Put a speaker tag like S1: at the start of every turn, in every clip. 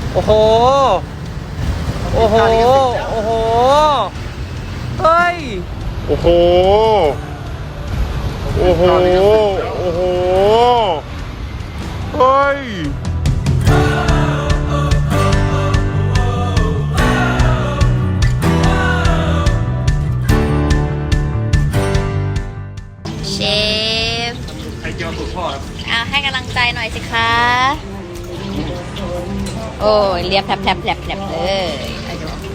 S1: โอ้โหโอ้โหโอ้โหเฮ้ย
S2: โอ้โหโอ้โหโอ้โหเฮ้ย
S3: เชฟ
S1: ไข่เจียวสูตรพ่อครับ
S3: เอาให้กำลังใจหน่อยสิคะ โอ้ยเรียบแผลบเลยอาจารย์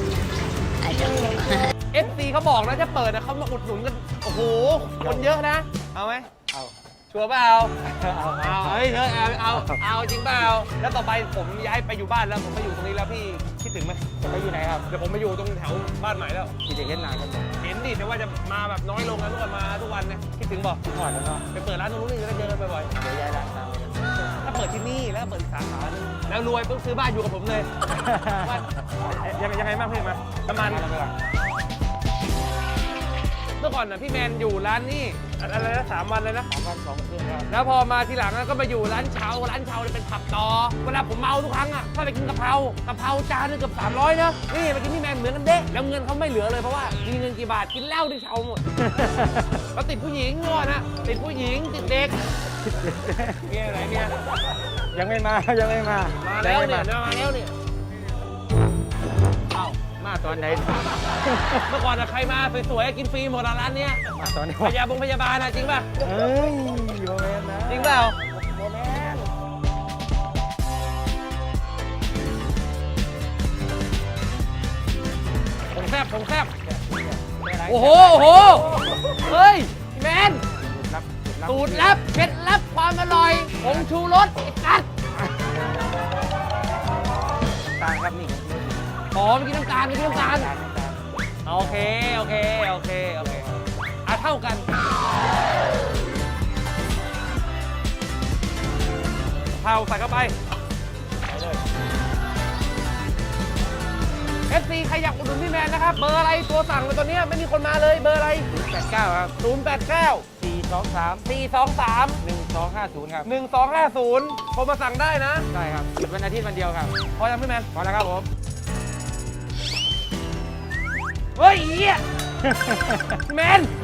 S1: FC เขาบอกนะจะเปิดนะเขามาอุดหนุนกันโอ้โหคนเยอะนะเอาไหมเอาชัวร์เปล่าเอาเฮ้ยเอาจริงเปล่าแล้วต่อไปผมย้ายไปอยู่บ้านแล้วผมมาอยู่ตรงนี้แล้วพี่คิดถึงไหมจะไปอยู่ไหนครับเดี๋ยวผมมาอยู่ตรงแถวบ้านใหม่แล้วคิดถึงเห็นนานกันเห็นดิแต่ว่าจะมาแบบน้อยลงนะทุกวันมาทุกวันเนี่ยคิดถึงบอกก่อนแล้วก็ไปเปิดร้านตรงนู้นนี่จะได้เจอกันบ่อยๆเดี๋ยวย้ายร้านตามไปถ้าเปิดที่นี่แล้วเปิดอีกสาขานึงแล้วรวยปุ๊บซื้อบ้านอยู่กับผมเลยยังไงบ้างพี่มาน้ำมันเมื่อก่อนน่ะพี่แมนอยู่ร้านนี่อะไรนะ3 วันเลยนะ3 วัน 2 คืนครับแล้วพอมาทีหลังก็มาอยู่ร้านเชาเนี่ยเป็นผับต่อเวลาผมเมาทุกครั้งอ่ะถ้าไปกินกะเพราจานนึงเกือบ300นะนี่ไปกินพี่แมนเหมือนกันเด้แล้วเงินเขาไม่เหลือเลยเพราะว่ามีเงินกี่บาทกินเหล้าที่เชาหมดแล้วติดผู้หญิงก่อนนะติดผู้หญิงติดเด็กเนี่ยอะไรเนี่ย
S4: ยังไม่มา
S1: แล้วเนี่ยมาแล้วเนี่ย
S4: มาตอนไหน
S1: เมื่อก่อนใครมาสวยๆกินฟรีหมดร้านเนี้ย
S4: มาตอนนี้
S1: พยาบาลนะจริงป่ะ
S4: เฮ้ยโมเมนต์นะ
S1: จริงเปล่า
S4: โมเมนต์
S1: ผมแซบโอ้โหเฮ้ยแมนสูตรลับเคล็ดลับความอร่อยผงชูรสไอ้กัด
S4: ต่างครับนี่
S1: อ๋อเมื่อกี้น้ำตาลโอเคเท่ากันเผาใส่เข้าไปFC ใครอยากอุดหนุนพี่แมนนะครับเบอร์อะไรตัวสั่งเลยตอนนี้ไม่มีคนมาเลยเบอร์อะไร
S4: 89ครับ
S1: 089
S4: 423
S1: 423
S4: 1250ครับ
S1: 1250โทรมาสั่งได้นะ
S4: ใช่ครับหยุดวันอาทิตย์วันเดียวครับ
S1: พอยังพี่แมน
S4: พอแล้วครับผม
S1: เฮ้ยเหี้ยแมน